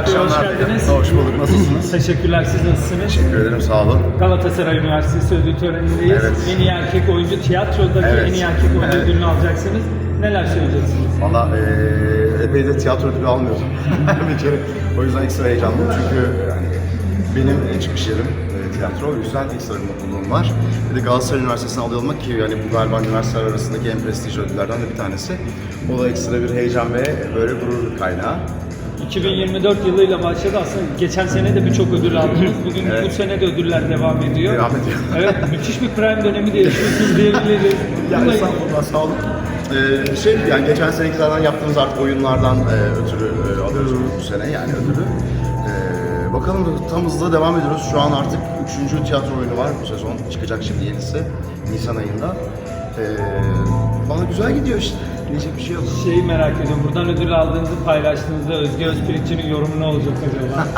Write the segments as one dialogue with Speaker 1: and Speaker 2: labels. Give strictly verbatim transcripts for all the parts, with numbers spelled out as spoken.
Speaker 1: akşamlar.
Speaker 2: Hoş geldiniz.
Speaker 1: Hoş bulduk. Nasılsınız?
Speaker 2: Teşekkürler. Siz nasılsınız?
Speaker 1: Teşekkür ederim. Sağ olun.
Speaker 2: Galatasaray Üniversitesi ödül törenindeyiz.
Speaker 1: Evet.
Speaker 2: En iyi erkek oyuncu, tiyatrodaki
Speaker 1: Evet.
Speaker 2: en iyi erkek oyuncu
Speaker 1: Evet.
Speaker 2: ödülünü alacaksınız. Neler söyleyeceksiniz?
Speaker 1: Valla eee epey de tiyatro ödülü almıyordum bir kere. O yüzden ekstra heyecanlıyım çünkü yani benim çıkış yerim e, tiyatro. O yüzden ekstra bir mutluluğum var. Bir de Galatasaray Üniversitesi'ne aday olmak ki yani bu galiba üniversiteler arasındaki en prestijli ödüllerden de bir tanesi. O da ekstra bir heyecan ve böyle gurur kaynağı.
Speaker 2: iki bin yirmi dört yılıyla başladı aslında. Geçen sene de birçok ödül aldınız. Bugün
Speaker 1: Evet.
Speaker 2: bu sene de ödüller devam ediyor.
Speaker 1: Devam ediyor.
Speaker 2: Evet, müthiş bir prime dönemi de yaşıyorsunuz diyebiliriz.
Speaker 1: Yani
Speaker 2: Bununla-
Speaker 1: estağfurullah, sağ olun. Ee, şey yani geçen senekilerden yaptığımız artık oyunlardan e, ötürü e, alıyoruz bu sene yani ödülü. Ee, bakalım tam hızla devam ediyoruz. Şu an artık üçüncü tiyatro oyunu var bu sezon. Çıkacak şimdi yenisi Nisan ayında. Ee, bana güzel gidiyor işte. Diyecek bir şey yok.
Speaker 2: Şeyi merak ediyorum. Buradan ödül aldığınızı paylaştığınızda Özge Özpirinç'in yorumu ne olacak acaba?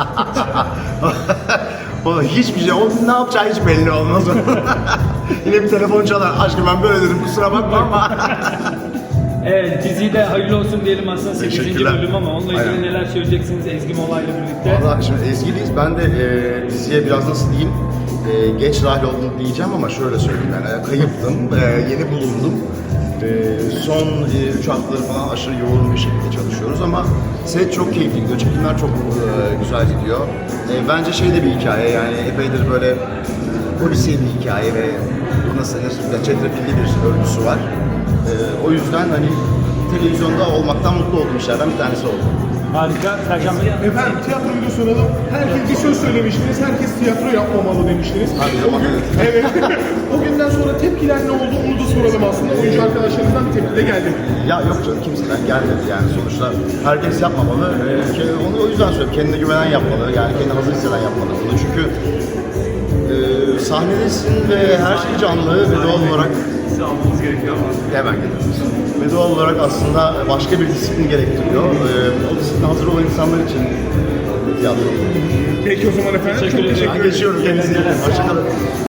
Speaker 1: O hiçbir şey, o ne yapacağı hiç belli olmaz. Yine bir telefon çalar. Aşkım ben böyle dedim kusura bakma ama.
Speaker 2: Evet, diziyi de hayırlı olsun diyelim aslında sekizinci
Speaker 1: Teşekkürler.
Speaker 2: bölüm ama onunla ilgili
Speaker 1: Aynen.
Speaker 2: neler söyleyeceksiniz Ezgi Mola'yla birlikte?
Speaker 1: Valla şimdi Ezgi'liyiz. Ben de e, diziye biraz nasıl diyeyim, e, geç dahil oldum diyeceğim ama şöyle söyleyeyim yani kayıptım, e, yeni bulundum. E, son e, üç haftaları falan aşırı yoğun bir şekilde çalışıyoruz ama set çok keyifli gidiyor, çekimler çok e, güzel gidiyor. E, bence şey de bir hikaye yani epeydir böyle polisiye bir hikaye ve nasıl denir, çetrefilli bir örgüsü var. E, o yüzden hani televizyonda olmaktan mutlu olduğum işlerden bir tanesi oldu.
Speaker 2: Harika. Sercan Bey.
Speaker 3: Efendim tiyatroyu da soralım. Herkes bir söz söylemiştiniz. Herkes tiyatro yapmamalı demiştiniz.
Speaker 1: Hadi
Speaker 3: o gün,
Speaker 1: bakalım.
Speaker 3: evet. O günden sonra tepkiler ne oldu onu da soralım aslında. Oyuncu arkadaşlarınızdan bir tepki de geldi.
Speaker 1: Ya yok canım kimseden gelmedi yani sonuçta herkes yapmamalı. Ee, ki onu o yüzden söylüyorum kendine güvenen yapmalı yani kendini hazır hisseden yapmalı bunu çünkü e, sahnedesin ve her şey canlı ve doğal olarak
Speaker 3: Almanız gerekiyor ama.
Speaker 1: hemen geliyoruz. Ve doğal olarak aslında başka bir disiplin gerektiriyor. Ee, o disipline hazır olan insanlar için tiyatro.
Speaker 3: Peki o zaman efendim.
Speaker 2: Teşekkür
Speaker 3: Çok
Speaker 2: ederim.
Speaker 3: teşekkür
Speaker 1: Ben
Speaker 3: ederim.
Speaker 1: geçiyorum kendinize. iyi bakın. Hoşçakalın.